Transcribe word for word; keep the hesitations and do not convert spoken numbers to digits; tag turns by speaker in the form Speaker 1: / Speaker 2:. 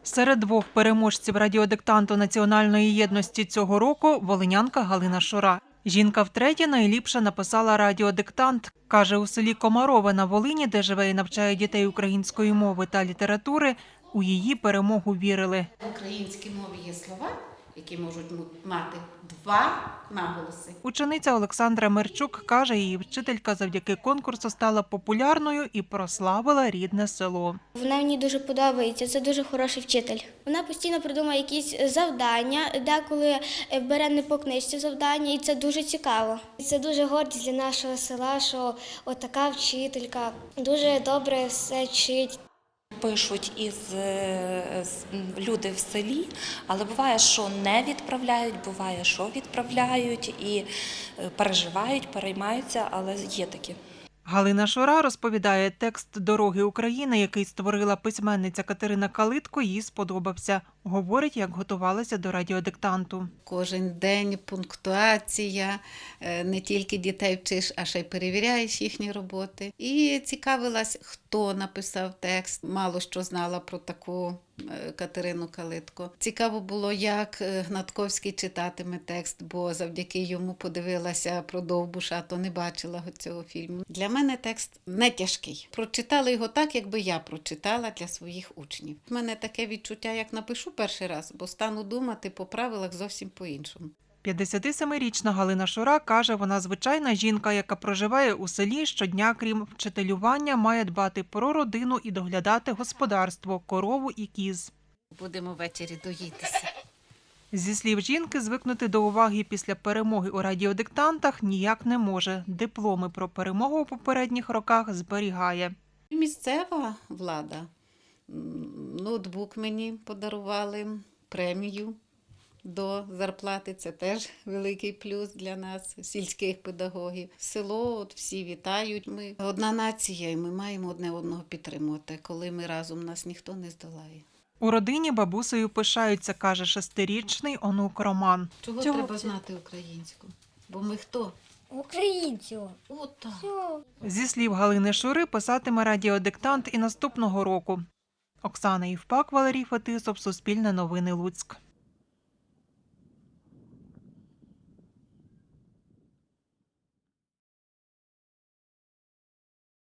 Speaker 1: Серед двох переможців радіодиктанту національної єдності цього року – волинянка Галина Шура. Жінка втретє найліпше написала радіодиктант. Каже, у селі Комарове на Волині, де живе і навчає дітей української мови та літератури, у її перемогу вірили.
Speaker 2: В українській мові є слова, які можуть мати два наголоси.
Speaker 1: Учениця Олександра Мерчук каже, її вчителька завдяки конкурсу стала популярною і прославила рідне село.
Speaker 3: Вона мені дуже подобається, це дуже хороший вчитель. Вона постійно придумує якісь завдання, деколи бере не по книжці завдання, і це дуже цікаво. Це дуже гордість для нашого села, що отака вчителька дуже добре все вчить.
Speaker 4: Пишуть із люди в селі, але буває, що не відправляють, буває, що відправляють і переживають, переймаються, але є такі.
Speaker 1: Галина Шура розповідає, текст «Дороги України», який створила письменниця Катерина Калитко, їй сподобався. Говорить, як готувалася до радіодиктанту.
Speaker 2: Кожен день пунктуація, не тільки дітей вчиш, а ще й перевіряєш їхні роботи. І цікавилась, хто написав текст. Мало що знала про таку Катерину Калитко. Цікаво було, як Гнатковський читатиме текст, бо завдяки йому подивилася про Довбуша, то не бачила цього фільму. Для мене текст не тяжкий. Прочитала його так, якби я прочитала для своїх учнів. У мене таке відчуття, як напишу перший раз, бо стану думати по правилах зовсім по-іншому.
Speaker 1: п'ятдесятисемирічна Галина Шура каже, вона звичайна жінка, яка проживає у селі, щодня, крім вчителювання, має дбати про родину і доглядати господарство, корову і кіз.
Speaker 2: Будемо ввечері доїтися.
Speaker 1: Зі слів жінки, звикнути до уваги після перемоги у радіодиктантах ніяк не може. Дипломи про перемогу у попередніх роках зберігає.
Speaker 2: Місцева влада. Ноутбук мені подарували, премію до зарплати. Це теж великий плюс для нас, сільських педагогів. Село, от всі вітають. Ми одна нація, і ми маємо одне одного підтримувати. Коли ми разом, нас ніхто не здолає.
Speaker 1: У родині бабусею пишаються, каже шестирічний онук Роман.
Speaker 2: Чого,
Speaker 3: Чого
Speaker 2: треба
Speaker 3: це?
Speaker 2: знати українську? Бо ми хто?
Speaker 3: Українців.
Speaker 2: От так.
Speaker 1: Зі слів Галини Шури, писатиме радіодиктант і наступного року. Оксана Євпак, Валерій Фетисов, Суспільне новини, Луцьк.